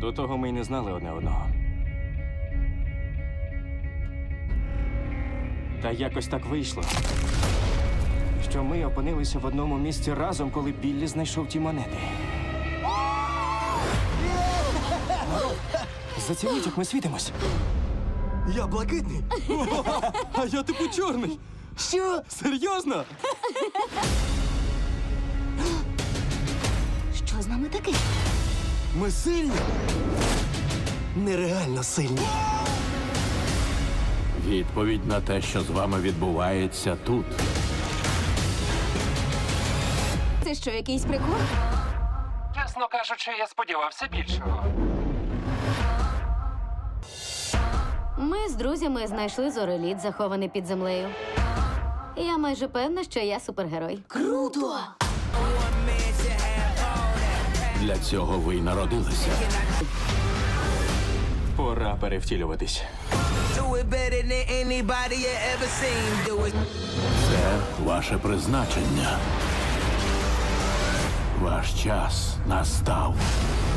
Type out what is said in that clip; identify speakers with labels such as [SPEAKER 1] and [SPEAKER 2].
[SPEAKER 1] До того ми й не знали одне одного. Та якось так вийшло, що ми опинилися в одному місці разом, коли Біллі знайшов ті монети. Зацініть, як ми світимось.
[SPEAKER 2] Я блакитний.
[SPEAKER 1] А я типу чорний.
[SPEAKER 2] Що?
[SPEAKER 1] Серйозно?
[SPEAKER 3] Що з нами таке?
[SPEAKER 2] Ми сильні. Нереально сильні.
[SPEAKER 4] Відповідь на те, що з вами відбувається тут.
[SPEAKER 3] Це що, якийсь прикол?
[SPEAKER 5] Чесно кажучи, я сподівався більшого.
[SPEAKER 3] Ми з друзями знайшли зореліт, захований під землею. Я майже певна, що я супергерой.
[SPEAKER 2] Круто!
[SPEAKER 4] Для цього ви й народилися.
[SPEAKER 1] Пора перевтілюватись.
[SPEAKER 6] Do it better than anybody you ever seen. Do it.
[SPEAKER 4] Це ваше призначення. Ваш час настав.